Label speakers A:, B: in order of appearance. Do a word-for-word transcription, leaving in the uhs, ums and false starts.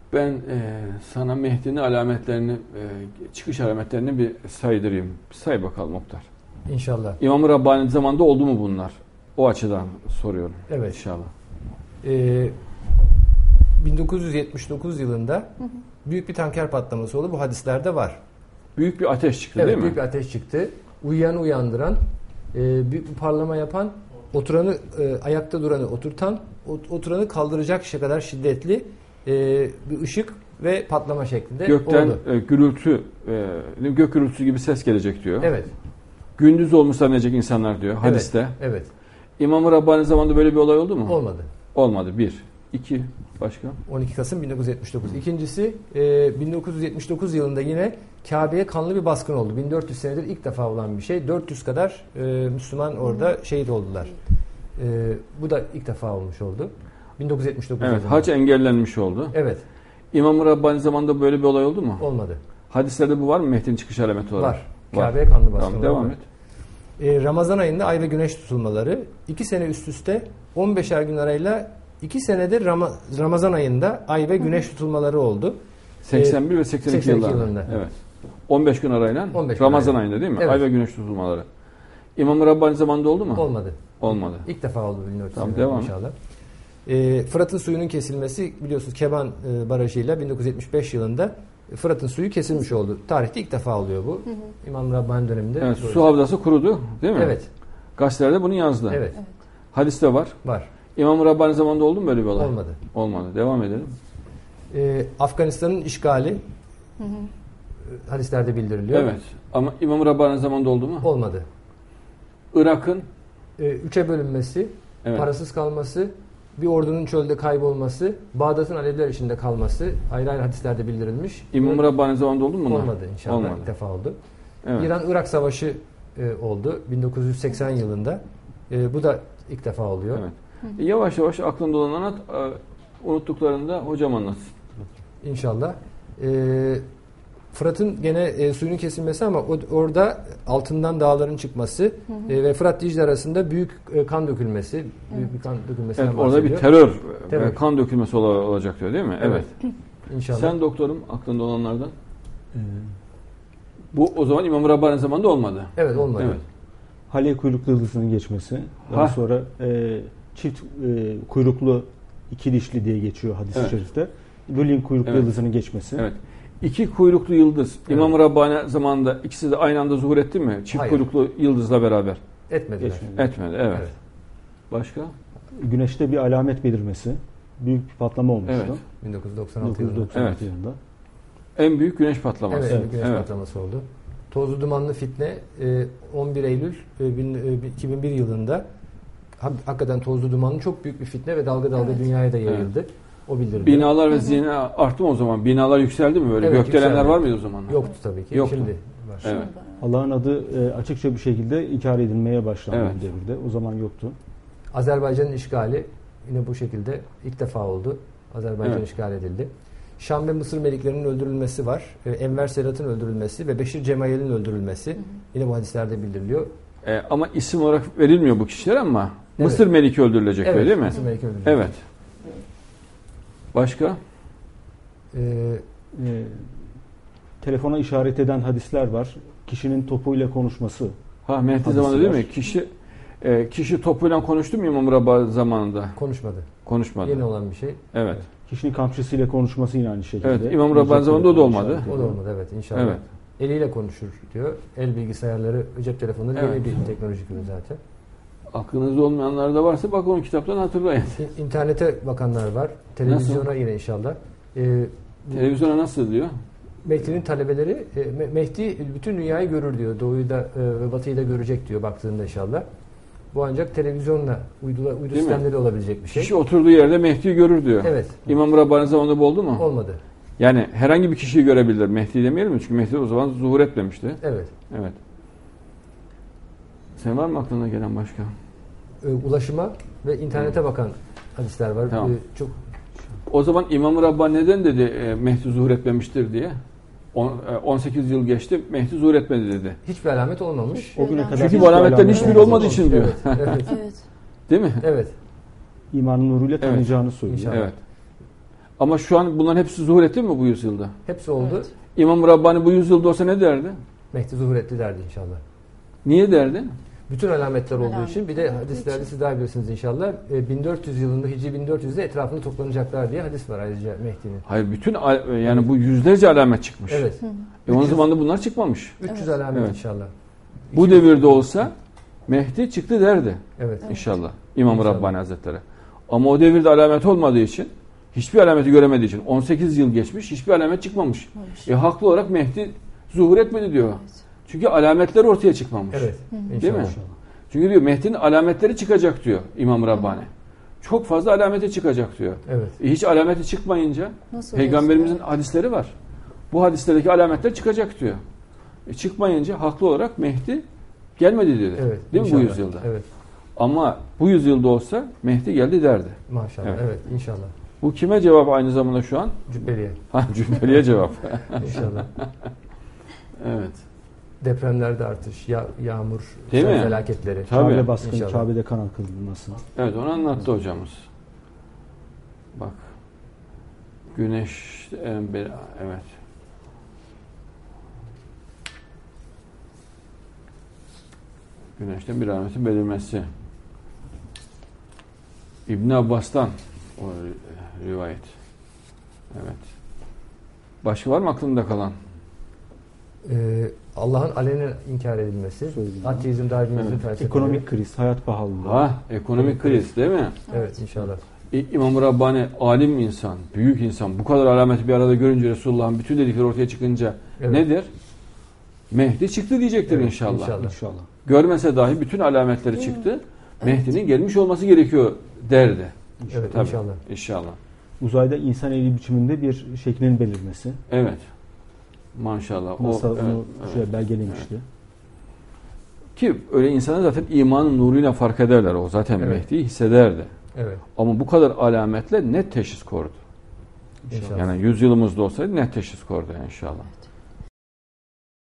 A: Ben e, sana Mehdi'nin alametlerini, e, çıkış alametlerini bir saydırayım. Bir say bakalım Muhtar.
B: İnşallah.
A: İmam-ı Rabbani zamanında oldu mu bunlar? O açıdan soruyorum.
B: Evet.
A: İnşallah.
B: Ee, bin dokuz yüz yetmiş dokuz yılında hı hı. büyük bir tanker patlaması oldu. Bu hadislerde var.
A: Büyük bir ateş çıktı
B: evet,
A: değil mi?
B: Evet, büyük bir ateş çıktı. Uyuyanı uyandıran, e, büyük bir parlama yapan, oturanı e, ayakta duranı oturtan, oturanı kaldıracak kadar şiddetli e, bir ışık ve patlama şeklinde
A: Gökten
B: oldu.
A: E, gürültü, e, gök gürültüsü gibi ses gelecek diyor.
B: Evet.
A: Gündüz olmuş zannedecek insanlar diyor hadiste.
B: Evet. evet.
A: İmam-ı Rabbani zamanında böyle bir olay oldu mu?
B: Olmadı.
A: Olmadı. Bir. İki. Başka?
B: on iki Kasım bin dokuz yüz yetmiş dokuz. İkincisi e, bin dokuz yüz yetmiş dokuz yılında yine Kabe'ye kanlı bir baskın oldu. bin dört yüz senedir ilk defa olan bir şey. dört yüz kadar e, Müslüman orada şehit oldular. E, bu da ilk defa olmuş oldu. bin dokuz yüz yetmiş dokuz
A: Evet.
B: yılında.
A: Hac engellenmiş oldu.
B: Evet.
A: İmam-ı Rabbani zamanında böyle bir olay oldu mu?
B: Olmadı.
A: Hadislerde bu var mı Mehdi'nin çıkış alameti olarak?
B: Var. Kabe'ye kanlı baskın.
A: Tamam, devam et.
B: E, Ramazan ayında ay ve güneş tutulmaları iki sene üst üste on beşer gün arayla iki senedir Ram- Ramazan ayında ay ve güneş tutulmaları oldu.
A: seksen bir e, ve seksen iki,
B: seksen iki
A: yıllarında.
B: yılında.
A: Evet. on beş gün arayla
B: on beş gün
A: Ramazan
B: arayla.
A: ayında değil mi?
B: Evet.
A: Ay ve güneş tutulmaları. İmam-ı Rabbani zamanında oldu mu?
B: Olmadı.
A: Olmadı.
B: İlk defa oldu bin dört yüz
A: Tamam,
B: senedir
A: devam.
B: inşallah. E, Fırat'ın suyunun kesilmesi biliyorsunuz Keban e, Barajı'yla bin dokuz yüz yetmiş beş yılında Fırat'ın suyu kesilmiş oldu. Tarihte ilk defa oluyor bu. Hı hı. İmam Rabbani döneminde.
A: Evet, su havzası kurudu değil mi?
B: Evet.
A: Gazetelerde bunu yazdı.
B: Evet. evet.
A: Hadiste var.
B: Var.
A: İmam-ı Rabbani zamanında oldu mu böyle bir olay?
B: Olmadı.
A: Olmadı. Devam edelim.
B: Ee, Afganistan'ın işgali hı hı. hadislerde bildiriliyor.
A: Evet. Ama İmam-ı Rabbani zamanında oldu mu?
B: Olmadı.
A: Irak'ın
B: ee, üçe bölünmesi, evet. parasız kalması, bir ordunun çölde kaybolması, Bağdat'ın Aleviler içinde kalması ayrı ayrı hadislerde bildirilmiş.
A: İmam-ı Rabbani zamanında oldu mu bunlar?
B: Olmadı inşallah.
A: Olmadı.
B: İlk defa oldu.
A: Evet.
B: İran-Irak Savaşı e, oldu bin dokuz yüz seksen yılında. E, bu da ilk defa oluyor.
A: Evet. E, yavaş yavaş aklında olan anlat, e, unuttuklarında hocam anlatsın.
B: İnşallah. E, Fırat'ın gene e, suyunun kesilmesi ama o, orada altından dağların çıkması hı hı. E, ve Fırat Dicle arasında büyük e, kan dökülmesi, evet. büyük bir kan dökülmesinden
A: evet,
B: bahsediyor.
A: Orada bir terör,
B: terör.
A: E, kan dökülmesi olacak diyor değil mi? Evet.
B: evet. İnşallah.
A: Sen doktorum aklında olanlardan. Ee, Bu o zaman İmam-ı Rabbani zamanında olmadı.
B: Evet olmadı. Evet.
C: Hale kuyruklu yıldızının geçmesi. Daha ha. sonra e, çift e, kuyruklu iki dişli diye geçiyor hadis-i evet. şerifte. Lülin kuyruklu evet. yıldızının geçmesi.
A: Evet. İki kuyruklu yıldız evet. İmam-ı Rabbani zamanında ikisi de aynı anda zuhur etti mi? Çift Hayır. kuyruklu yıldızla beraber.
B: Etmediler.
A: Geçmedi. Etmedi. Evet. evet. Başka?
C: Güneşte bir alamet belirmesi. Büyük bir patlama olmuştu.
A: Evet.
B: bin dokuz yüz doksan altı, bin dokuz yüz doksan altı
A: evet.
B: yılında.
A: En büyük güneş patlaması.
B: Evet, en büyük güneş evet. patlaması oldu. Tozlu dumanlı fitne on bir Eylül iki bin bir yılında hakikaten tozlu dumanlı çok büyük bir fitne ve dalga dalga evet. dünyaya da yayıldı. Evet. O bildirildi.
A: Binalar ve zina arttı mı o zaman? Binalar yükseldi mi böyle? Evet, Gökdelenler yükseldi. Var mıydı o zaman?
B: Yoktu tabii ki.
A: Yoktu.
B: Şimdi var.
A: Evet.
C: Allah'ın adı açıkça bir şekilde inkar edilmeye başlandı evet. devirde. O zaman yoktu.
B: Azerbaycan'ın işgali yine bu şekilde ilk defa oldu. Azerbaycan evet. işgal edildi. Şam ve Mısır meliklerinin öldürülmesi var. Enver Sedat'ın öldürülmesi ve Beşir Cemayel'in öldürülmesi. Hı hı. Yine bu hadislerde bildiriliyor.
A: E, ama isim olarak verilmiyor bu kişiler ama evet. Mısır Meliki öldürülecek
B: evet,
A: öyle değil mi?
B: Mısır Meliki öldürülecek.
A: Evet. Başka?
C: Ee, e, telefona işaret eden hadisler var. Kişinin topuyla konuşması.
A: Ha Mehdi zamanında değil mi? Kişi e, kişi topuyla konuştu mu İmam-ı Rabbani zamanında?
B: Konuşmadı.
A: Konuşmadı.
B: Yeni olan bir şey.
A: Evet.
C: Kişinin kamçısıyla konuşması yine aynı şekilde.
A: Evet. İmam-ı Rabbani zamanında o da olmadı.
B: O da olmadı evet inşallah. Evet. Eliyle konuşur diyor. El bilgisayarları, cep telefonları evet. yeni bir teknolojik ürün zaten.
A: Aklınızda olmayanlar da varsa bak onun kitaptan hatırlayın.
B: İnternete bakanlar var. Televizyona nasıl? Yine inşallah. Ee,
A: Televizyona nasıl diyor?
B: Mehdi'nin talebeleri, e, Mehdi bütün dünyayı görür diyor. Doğuyu da e, ve batıyı da görecek diyor baktığında inşallah. Bu ancak televizyonla, uydu, uydu sistemleri mi? Olabilecek bir şey.
A: Kişi oturduğu yerde Mehdi'yi görür diyor.
B: Evet.
A: İmam-ı Rabbani zamanında bu oldu mu?
B: Olmadı.
A: Yani herhangi bir kişiyi görebilir. Mehdi demeyelim mi? Çünkü Mehdi o zaman zuhur etmemişti.
B: Evet.
A: Evet. Sen var mı aklına gelen başka?
B: E, ulaşıma ve internete bakan hadisler var.
A: Tamam.
B: E, çok.
A: O zaman İmam-ı Rabbani neden dedi e, Mehdi zuhur etmemiştir diye? on sekiz yıl geçti, Mehdi zuhur etmedi dedi.
B: Hiçbir alamet olmamış.
C: O güne kadar
A: çünkü bu alametlerin hiçbir evet. olmadığı için diyor.
B: Evet. Evet.
A: Değil mi?
B: Evet.
C: İmanın nuruyla tanıyacağını evet. söylüyor.
A: Evet. Ama şu an bunların hepsi zuhur etti mi bu yüzyılda?
B: Hepsi oldu.
D: Evet.
A: İmam Rabbani bu yüzyılda olsa ne derdi?
B: Mehdi zuhur etti derdi inşallah.
A: Niye derdi?
B: Bütün alametler olduğu
D: Alamet
B: için bir de
D: olduğu
B: hadislerde
D: için.
B: siz daha bilirsiniz inşallah. E, bin dört yüz yılında Hicri bin dört yüzde etrafında toplanacaklar diye hadis var ayrıca Mehdi'nin.
A: Hayır, bütün al- yani bu yüzlerce alamet çıkmış.
B: Evet.
A: E onun
B: üç yüz
A: zamanında bunlar çıkmamış.
B: üç yüz
D: Evet.
B: alamet
A: Evet.
B: inşallah.
A: Bu
B: iki yüz
A: devirde olsa Mehdi çıktı derdi
B: Evet.
A: inşallah İmam
B: İnşallah.
A: Rabbani Hazretleri. Ama o devirde alamet olmadığı için, hiçbir alameti göremediği için on sekiz yıl geçmiş, hiçbir alamet çıkmamış.
D: Olmuş.
A: E haklı olarak Mehdi zuhur etmedi diyor.
D: Evet.
A: Çünkü alametler ortaya çıkmamış.
B: Evet.
D: Hı hı.
A: Değil mi?
B: İnşallah.
A: Çünkü diyor Mehdi'nin alametleri çıkacak diyor İmam Rabbani. Çok fazla alameti çıkacak diyor.
B: Evet.
A: E hiç alameti çıkmayınca
D: Nasıl
A: Peygamberimizin
D: olursa.
A: hadisleri var. Bu hadislerdeki alametler çıkacak diyor. E çıkmayınca haklı olarak Mehdi gelmedi dedi.
B: Evet.
A: Değil mi bu
B: inşallah.
A: yüzyılda?
B: Evet.
A: Ama bu yüzyılda olsa Mehdi geldi derdi.
B: Maşallah.
A: Evet.
B: Evet. inşallah.
A: Bu kime cevap aynı zamanda şu an?
B: Cübbeliye.
A: Ha, Cübbeli'ye cevap.
B: İnşallah.
A: Evet.
B: Depremlerde artış, ya, yağmur,
A: Değil
B: sel
A: mi?
B: felaketleri.
A: Tabii.
C: Kabe baskını,
B: İnşallah.
C: Kabe'de kan akıtılması.
A: Evet, onu anlattı hocamız. Bak. Güneş en bir evet. Güneşten bir alametin belirmesi. İbn Abbas'tan o rivayet. Evet. Başka var mı aklında kalan?
B: Ee, Allah'ın alenen inkar edilmesi,
C: Söyledim.
B: ateizm, darwinizm
A: Evet.
B: felsefeleri.
C: Ekonomik kriz, hayat pahalılığı.
A: Ha, ekonomik kriz değil mi?
B: Evet inşallah.
A: İ- İmam Rabbani alim insan, büyük insan. Bu kadar alameti bir arada görünce Resulullah'ın bütün dedikleri ortaya çıkınca
B: Evet.
A: nedir? Mehdi çıktı diyecektir
B: Evet,
A: inşallah.
B: inşallah.
C: İnşallah.
A: Görmese dahi bütün alametleri çıktı. Mehdi'nin gelmiş olması gerekiyor derdi.
B: Evet
A: Tabii.
B: inşallah.
A: İnşallah.
C: Uzayda insan eli biçiminde bir şeklinin belirmesi.
A: Evet. Maşallah.
C: NASA
A: o,
C: onu
A: evet, evet.
C: şöyle belgelemişti.
A: Ki öyle insanlar zaten imanın nuruyla fark ederler. O zaten
B: Evet.
A: Mehdi'yi hissederdi.
B: Evet
A: Ama bu kadar alametle net teşhis kordu.
B: inşallah.
A: Yani yüzyılımızda olsaydı net teşhis kordu inşallah.